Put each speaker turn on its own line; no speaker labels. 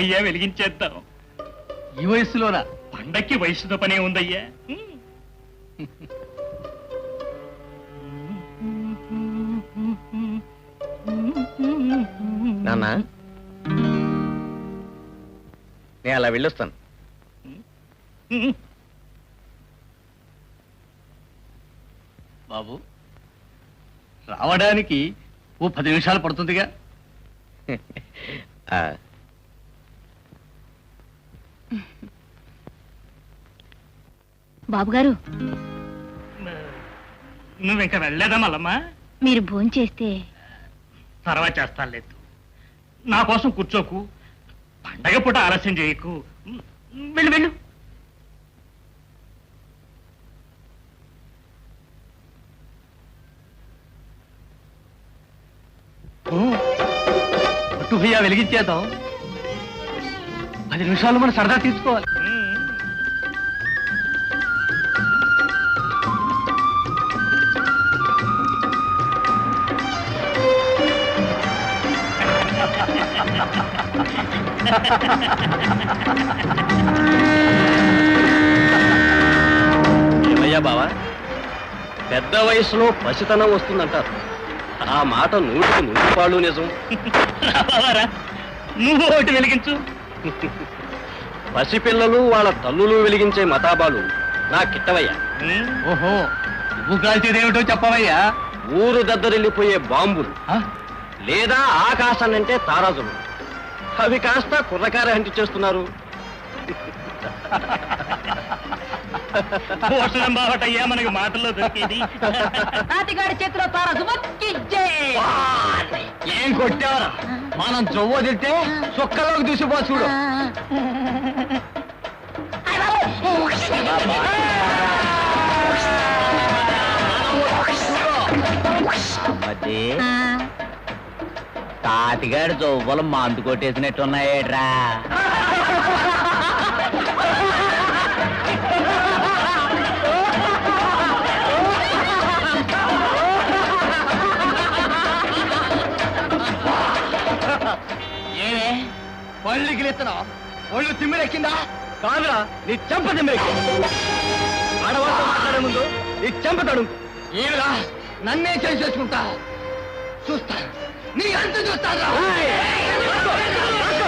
రావయ్యా వెలిగించేద్దాం.
ఈ వయసులోనా?
పండక్కి వయసుతో పనే ఉందయ్యా.
నాన్న నేను అలా వెళ్ళొస్తాను.
బాబు రావడానికి ఓ 10 నిమిషాలు పడుతుందిగా.
బాబుగారు
నువ్వింక వెళ్ళలేదా మల్లమ్మా?
మీరు భోంచేస్తే
తర్వాత చేస్తాను లేదు. నా కోసం కూర్చోకు, పండగ పూట ఆలస్యం చేయకు. వెళ్ళు వెళ్ళు.
పట్టు భయ్యా వెలిగించేద్దాం. 10 నిమిషాలు మనం సరదా తీసుకోవాలి.
ఏమయ్యా బావా, పెద్ద వయసులో పసితనం వస్తుందంటారు. ఆ మాట 100% నిజం.
రావారా, నువ్వు ఒకటి వెలిగించు.
పసిపిల్లలు వాళ్ళ తల్లులు వెలిగించే మతాబాలు నా కిట్టవయ్యా.
ఓహో, నువ్వు కాల్చేదేమిటో చెప్పవయ్యా.
ఊరు దద్దరిల్లిపోయే బాంబులు లేదా ఆకాశాన్నంటే తారాజులు, అవి కాస్త కుర్రకార హంటి చేస్తున్నారు.
పోషణం బావటయ్యా మనకి మాటల్లో దొరికేది.
తాతిగాడి చేతిలో తారసు
ఏం కొట్టావరా? మనం చొవ్వ తింటే సుక్కలోకి దూసిపో చూడు.
తాతిగాడి చొవ్వలు మందు కొట్టేసినట్టున్నాయేట్రా.
పళ్ళకి ఎత్తున్నా ఒళ్ళు తిమ్మిరెక్కిందా?
కాదురా, నీ చెంప తిమ్మిరెక్కి. ఆడవాళ్ళతో మాట్లాడే ముందు నీ చెంపతాడు.
ఏమిరా నన్నే చేసుకుంటా? చూస్తా, నీ అంత చూస్తా.